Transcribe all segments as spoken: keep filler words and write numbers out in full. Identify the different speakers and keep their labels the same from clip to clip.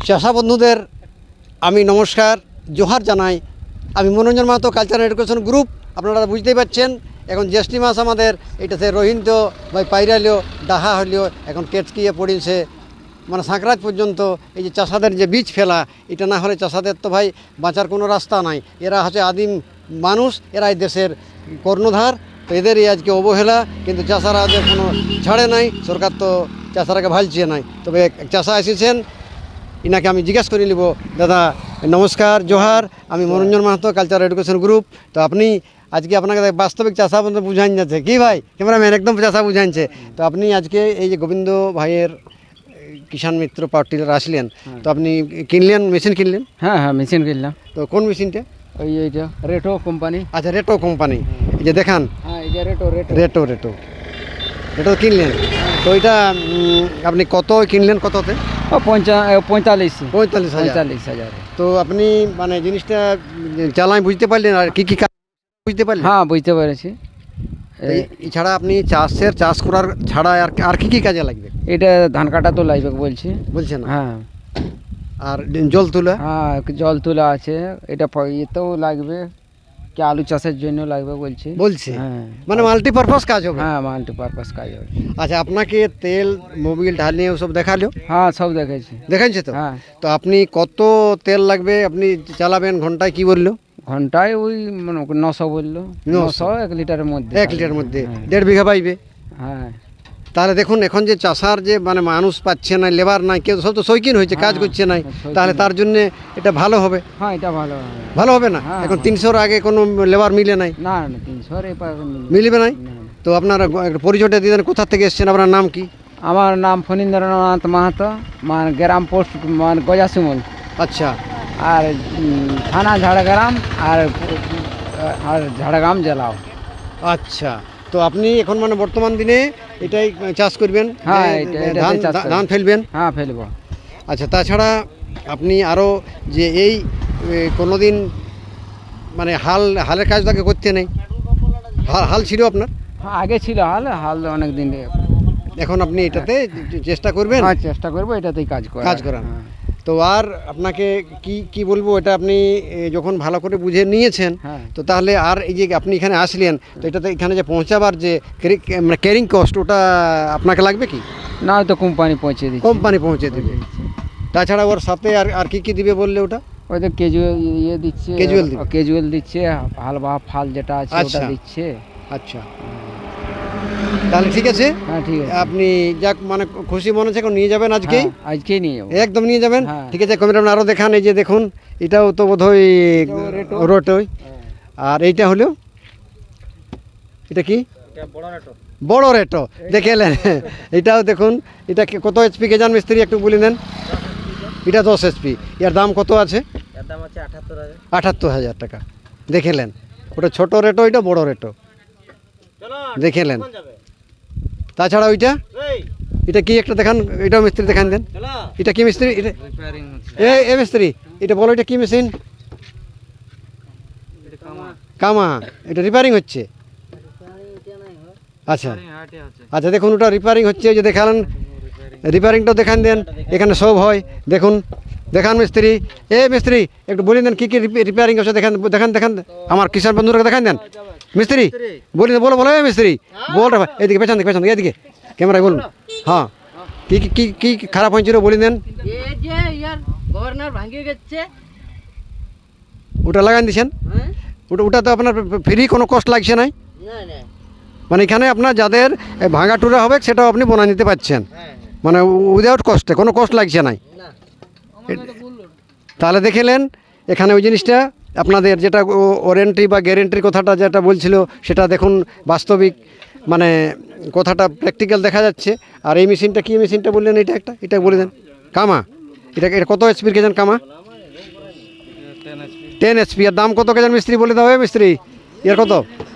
Speaker 1: চাষা বন্ধুদের আমি নমস্কার জোহার জানাই। আমি Manoranjan Mahato cultural education group. আপনারা বুঝতেই পারছেন এখন জ্যৈষ্ঠী মাস আমাদের এটাতে রোহিন্ত বা পাইরালিও ডাহা হলেও এখন কেটকিয়ে পড়েছে মানে সাঁকরাজ পর্যন্ত। এই যে চাষাদের যে বীজ ফেলা, এটা না হলে চাষাদের তো ভাই বাঁচার কোনো রাস্তা নাই। এরা হচ্ছে আদিম মানুষ, এরা এই দেশের কর্ণধার। তো এদেরই আজকে অবহেলা, কিন্তু চাষারা যে কোনো ছাড়ে নাই। সরকার তো চাষারাকে ভালছে নাই। তবে এক চাষা এসেছেন, ইনাকে আমি জিজ্ঞাসা করে নিব। দাদা নমস্কার, জোহার। আমি Manoranjan Mahato cultural education group. তো আপনি আজকে আপনাকে বাস্তবিক চাষা বলতে বুঝাইন যাচ্ছে কি ভাই, ক্যামেরাম্যান একদম চাষা বুঝাইছে। তো আপনি আজকে এই যে গোবিন্দ ভাইয়ের কিষাণ মিত্র পার্টির আসলেন, তো আপনি কিনলেন, মেশিন কিনলেন?
Speaker 2: হ্যাঁ হ্যাঁ মেশিন কিনলাম।
Speaker 1: তো কোন মেশিনটা?
Speaker 2: ওই এইটা রেটো কোম্পানি।
Speaker 1: আচ্ছা, রেটো কোম্পানি। এই যে দেখান,
Speaker 2: হ্যাঁ এই যে রেটো রেটো
Speaker 1: রেটো রেটো রেটো কিনলেন। তো এটা উম, আপনি কত কিনলেন, কততে?
Speaker 2: ও পঞ্চা পঁয়তাল্লিশ
Speaker 1: পঁয়তাল্লিশ হাজার
Speaker 2: পঁয়তাল্লিশ হাজার
Speaker 1: তো আপনি মানে জিনিসটা চালাই বুঝতে পারলেন আর কি কি কাজ বুঝতে পারলেন?
Speaker 2: হ্যাঁ বুঝতে পেরেছি।
Speaker 1: তো এছাড়া আপনি চাষের চাষ করার ছাড়া আর আর কি কি কাজে লাগবে?
Speaker 2: এটা ধান কাটা তো লাগবে বলছি।
Speaker 1: বলছেন?
Speaker 2: হ্যাঁ।
Speaker 1: আর জল তোলা?
Speaker 2: হ্যাঁ জল তোলা আছে। এটা প- এতেও লাগবে, কি আলু চাষের জন্য লাগবে বলছি।
Speaker 1: বলছে
Speaker 2: হ্যাঁ
Speaker 1: মানে মাল্টিপারপাস কাজ হবে।
Speaker 2: হ্যাঁ মাল্টিপারপাস কাজ হবে।
Speaker 1: আচ্ছা, আপনাকে তেল মোবিল ঢালিয়ে সব দেখালো?
Speaker 2: হ্যাঁ সব দেখেছি।
Speaker 1: দেখাচ্ছে তো?
Speaker 2: হ্যাঁ
Speaker 1: তো আপনি কত তেল লাগবে আপনি চালাবেন ঘন্টায়, কি বললো?
Speaker 2: ঘন্টায় ওই মানে নশো বললো।
Speaker 1: নশো?
Speaker 2: নশো এক লিটারের মধ্যে।
Speaker 1: এক লিটার মধ্যে
Speaker 2: হ্যাঁ।
Speaker 1: দেড় বিঘা পাইবে।
Speaker 2: হ্যাঁ
Speaker 1: তাহলে দেখুন এখন যে চাষার যে মানে মানুষ পাচ্ছে না, লেবার নাই, কেউ সব তো শৌখিন হয়েছে, কাজ
Speaker 2: হ্যাঁ,
Speaker 1: করছে নাই।
Speaker 2: শৌখিন।
Speaker 1: তাহলে তার জন্য এটা ভালো হবে।
Speaker 2: হ্যাঁ এটা ভালো হবে।
Speaker 1: ভালো হবে না?
Speaker 2: হ্যাঁ,
Speaker 1: এখন
Speaker 2: হ্যাঁ।
Speaker 1: তিনশোর আগে কোনো লেবার মিলে নাই,
Speaker 2: না না তিনশো
Speaker 1: মিলবে নাই। তো আপনারা গ- একটা পরিচয়টা দিয়ে দেন, কোথা থেকে এসেছেন, আপনার নাম কি?
Speaker 2: আমার নাম ফণীন্দ্রনাথ মাহাতো, মানে গ্রাম পোস্ট মানে গজাসিমল,
Speaker 1: আচ্ছা
Speaker 2: আর উম, থানা ঝাড়গ্রাম, আর আর ঝাড়গ্রাম জেলাও।
Speaker 1: আচ্ছা। তো আপনি এখন মানে বর্তমান দিনে এটাই চাষ করবেন?
Speaker 2: হ্যাঁ,
Speaker 1: যে
Speaker 2: এটা- এটাতে
Speaker 1: ধান
Speaker 2: চাষ করব।
Speaker 1: ধান ফেলবেন?
Speaker 2: হ্যাঁ ফেলবো।
Speaker 1: আচ্ছা, তাছাড়া আপনি আরও যে এই কোনো দিন মানে হাল হালের কাজ তাকে করতে নেই? হাল হাল ছিল আপনার?
Speaker 2: হ্যাঁ আগে ছিল হাল, হাল অনেক দিন।
Speaker 1: এখন আপনি এটাতে চেষ্টা করবেন
Speaker 2: হ্যাঁ চেষ্টা করবো এটাতেই কাজ করা।
Speaker 1: কাজ করান।
Speaker 2: হ্যাঁ।
Speaker 1: তো আর আপনাকে কি কি বলবো, এটা আপনি এ, যখন ভালো করে বুঝে নিয়েছেন,
Speaker 2: হ্যাঁ।
Speaker 1: তো তাহলে আর এই যে আপনি এখানে আসলেন, তো এটাতে এখানে যে পৌঁছাবার যে ক্যারি- মানে ক্যারিং কস্ট, ওটা আপনাকে লাগবে কি?
Speaker 2: না তো কোম্পানি পৌঁছে দিচ্ছে।
Speaker 1: কোম্পানি পৌঁছে দেবে। তাছাড়া ওর সাথে আর আর কি কি দিবে বললে ওটা?
Speaker 2: ওই তো কেজুয়াল ইয়ে দিচ্ছে,
Speaker 1: Casual দিবে।
Speaker 2: কেজুয়াল দিচ্ছে, হাল বা ফাল যেটা আছে ওটা
Speaker 1: আচ্ছা।
Speaker 2: দিচ্ছে।
Speaker 1: আচ্ছা, তাহলে ঠিক আছে।
Speaker 2: হ্যাঁ ঠিক আছে।
Speaker 1: আপনি যাক মানে খুশি মনে হচ্ছে, এখন নিয়ে যাবেন আজকেই?
Speaker 2: হ্যাঁ, আজকেই নিয়ে যাবো।
Speaker 1: একদম নিয়ে যাবেন।
Speaker 2: হ্যাঁ।
Speaker 1: ঠিক আছে, ক্যামেরাম্যান আরও দেখান। এই যে দেখুন, এটাও তো বোধহয়
Speaker 2: রেটো।
Speaker 1: রোটোই। আর এইটা হলো, এটা কি? বড় রেটো। দেখে এলেন? এটাও দেখুন, এটা কি- কত এইচপি কে জান মিস্ত্রি, একটু বলে দেন। এটা দশ এইচপি। এর দাম কত আছে? আটাত্তর হাজার টাকা। দেখেলেন? ওটা ছোট রেটো, এটা বড় রেটো। দেখেলেন? তাছাড়া ওইটা, এটা কি একটা দেখান, এটাও মিস্ত্রি দেখান দেন। এটা কি মিস্ত্রি? এটা এ এ মিস্ত্রি, এটা বলো, এটা কি মেশিন? কামা। এটা রিপেয়ারিং হচ্ছে? আচ্ছা আচ্ছা, দেখুন ওটা রিপেয়ারিং হচ্ছে, ওই যে দেখালেন, রিপেয়ারিংটাও দেখান দেন। এখানে সব হয়, দেখুন দেখান মিস্ত্রি। এ মিস্ত্রি একটু বলে দেন কি কি রিপেয়ারিং হচ্ছে, দেখান দেখান দেখান আমার কিষাণ বন্ধুরা দেখান দেন। মিস্ত্রি বলি বলো বলো, এ মিস্ত্রি বল, এদিকে পেছন দিকে পেছন দিকে এদিকে ক্যামেরায় বলুন। হ্যাঁ, কি কি কি কি খারাপ হয়েছিল বলে দেন।
Speaker 3: এই যে ইয়ার গভর্নর ভাঙিয়ে গেছে।
Speaker 1: ওটা লাগান দিয়েছেন?
Speaker 3: হ্যাঁ
Speaker 1: ওটা ওটা তো আপনার ফ্রি, কোনো কষ্ট লাগছে নাই?
Speaker 3: না না
Speaker 1: মানে এখানে আপনার যাদের ভাঙা টুরা হবে সেটাও আপনি বনা নিতে পারছেন,
Speaker 3: হ্যাঁ
Speaker 1: মানে উইদাউট কস্টে, কোনো কষ্ট লাগছে নাই।
Speaker 3: না
Speaker 1: তাহলে দেখলেন এখানে ওই জিনিসটা আপনাদের যেটা ওয়ারেন্টি বা গ্যারেন্টির কথাটা যেটা বলছিল, সেটা দেখুন বাস্তবিক মানে কথাটা প্র্যাকটিক্যাল দেখা যাচ্ছে। আর এই মেশিনটা কি মেশিনটা বললেন? এটা একটা, এটা বলে দেন। কামা। এটা এটা কত এইচপির কেজান কামা? Ten HP. এর দাম কত কেজান মিস্ত্রি বলে দাও? এ মিস্ত্রি এর কত?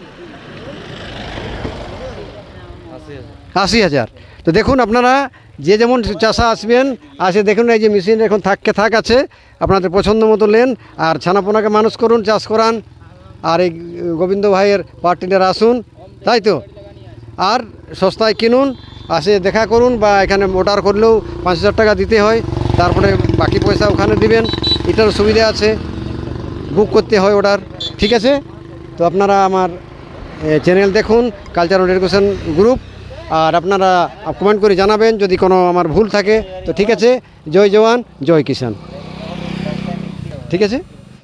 Speaker 1: আশি হাজার। তো দেখুন আপনারা যে যেমন চাষা আসবেন, আসে দেখুন এই যে মেশিন এখন থাককে থাক আছে, আপনাদের পছন্দ মতো নেন আর ছানাপোনাকে মানুষ করুন, চাষ করান। আর এই গোবিন্দ ভাইয়ের পার্টিদের আসুন, তাই তো? আর সস্তায় কিনুন, আসে দেখা করুন, বা এখানে অর্ডার করলেও পাঁচ হাজার টাকা দিতে হয়, তারপরে বাকি পয়সা ওখানে দিবেন, এটার সুবিধা আছে, বুক করতে হয় অর্ডার। ঠিক আছে, তো আপনারা আমার চ্যানেল দেখুন কালচারাল এডুকেশন গ্রুপ, আর আপনারা কমেন্ট করে জানাবেন যদি কোনো আমার ভুল থাকে। তো ঠিক আছে, জয় জওয়ান জয় কিষান। ঠিক আছে।